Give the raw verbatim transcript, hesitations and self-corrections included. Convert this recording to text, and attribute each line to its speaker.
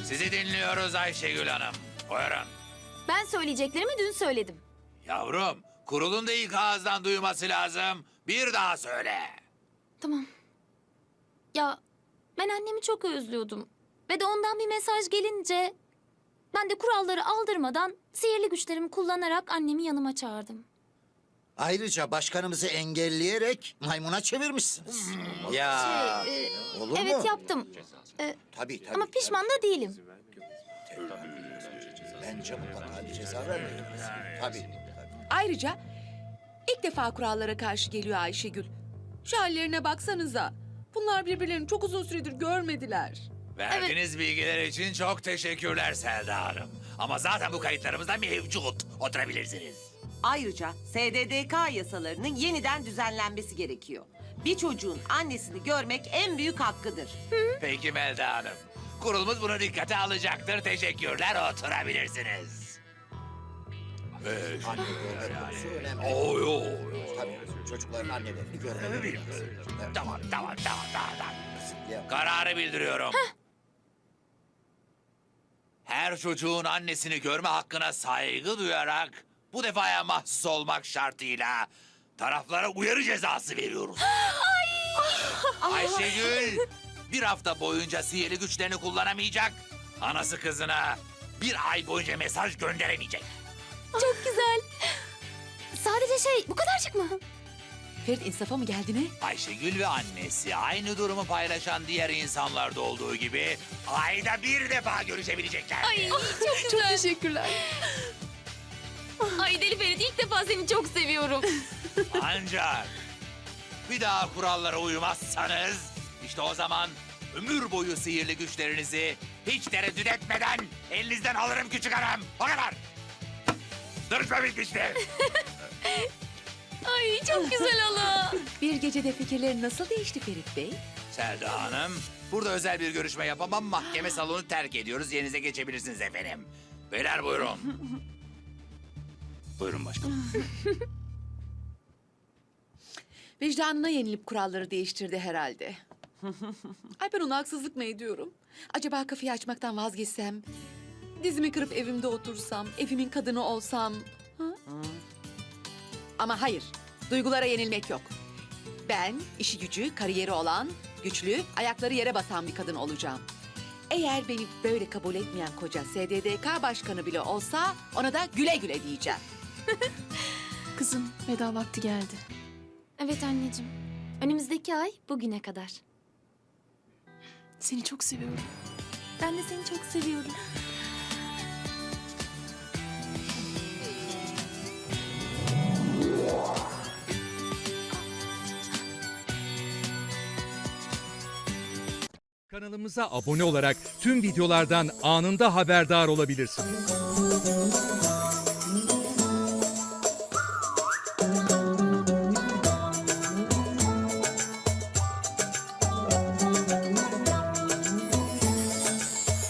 Speaker 1: Sizi dinliyoruz Ayşegül Hanım. Buyurun.
Speaker 2: Ben söyleyeceklerimi dün söyledim.
Speaker 1: Yavrum, kurulun da ilk ağızdan duyması lazım. Bir daha söyle.
Speaker 2: Tamam. Ya ben annemi çok özlüyordum. Ve de ondan bir mesaj gelince... ben de kuralları aldırmadan sihirli güçlerimi kullanarak annemi yanıma çağırdım.
Speaker 3: Ayrıca başkanımızı engelleyerek maymuna çevirmişsiniz. Ya
Speaker 2: Şey, e,
Speaker 3: olur
Speaker 2: evet
Speaker 3: mu?
Speaker 2: yaptım. E,
Speaker 3: Tabii tabii.
Speaker 2: ama pişman da değilim.
Speaker 3: Bence mutlaka bir ceza vermeliyiz. Tabii. tabii.
Speaker 4: Ayrıca ilk defa kurallara karşı geliyor Ayşegül. Şu hallerine baksanıza. Bunlar birbirlerini çok uzun süredir görmediler.
Speaker 1: Verdiğiniz bilgiler için çok teşekkürler Selda Hanım. Ama zaten bu kayıtlarımızda mevcut. Oturabilirsiniz.
Speaker 5: Ayrıca S D D K yasalarının yeniden düzenlenmesi gerekiyor. Bir çocuğun annesini görmek en büyük hakkıdır.
Speaker 1: Peki Melda Hanım. Kurulumuz bunu dikkate alacaktır. Teşekkürler. Oturabilirsiniz. Ee,
Speaker 3: Anne görme konusu önemli.
Speaker 1: oy, oy.
Speaker 3: Tabii çocukların annelerini görmeleri lazım. Evet.
Speaker 1: Tamam, tamam, tamam, tamam. tamam.
Speaker 3: Ya,
Speaker 1: Kararı bildiriyorum. Her çocuğun annesini görme hakkına saygı duyarak bu defaya mahsus olmak şartıyla taraflara uyarı cezası veriyoruz. Ayşegül bir hafta boyunca sihirli güçlerini kullanamayacak. Anası kızına bir ay boyunca mesaj gönderemeyecek.
Speaker 2: Çok güzel. Sadece şey bu kadarcık mı?
Speaker 4: Ferit insafa mı geldi ne?
Speaker 1: Ayşegül ve annesi aynı durumu paylaşan diğer insanlarda olduğu gibi ayda bir defa görüşebilecekler.
Speaker 2: Ay çok güzel.
Speaker 4: Çok teşekkürler.
Speaker 2: Ay Deli Ferit ilk defa seni çok seviyorum.
Speaker 1: Ancak bir daha kurallara uymazsanız işte o zaman ömür boyu sihirli güçlerinizi hiç tereddüt etmeden elinizden alırım küçük hanım. O kadar. Duruşma bitmişti.
Speaker 2: Ay çok güzel hala.
Speaker 4: Bir gecede fikirlerin nasıl değişti Ferit Bey?
Speaker 1: Selda Hanım, burada özel bir görüşme yapamam. Mahkeme salonu terk ediyoruz. Yerinize geçebilirsiniz efendim. Beyler buyurun. Buyurun başkanım.
Speaker 4: Vicdanına yenilip kuralları değiştirdi herhalde. Ay ben ona haksızlık mı ediyorum? Acaba kafayı açmaktan vazgeçsem? Dizimi kırıp evimde otursam, evimin kadını olsam? Ha? Ama hayır, duygulara yenilmek yok. Ben işi gücü, kariyeri olan, güçlü, ayakları yere basan bir kadın olacağım. Eğer beni böyle kabul etmeyen koca S D D K başkanı bile olsa ona da güle güle diyeceğim.
Speaker 6: Kızım, veda vakti geldi.
Speaker 2: Evet anneciğim. Önümüzdeki ay bugüne kadar.
Speaker 6: Seni çok seviyorum.
Speaker 2: Ben de seni çok seviyorum.
Speaker 7: Kanalımıza abone olarak tüm videolardan anında haberdar olabilirsiniz.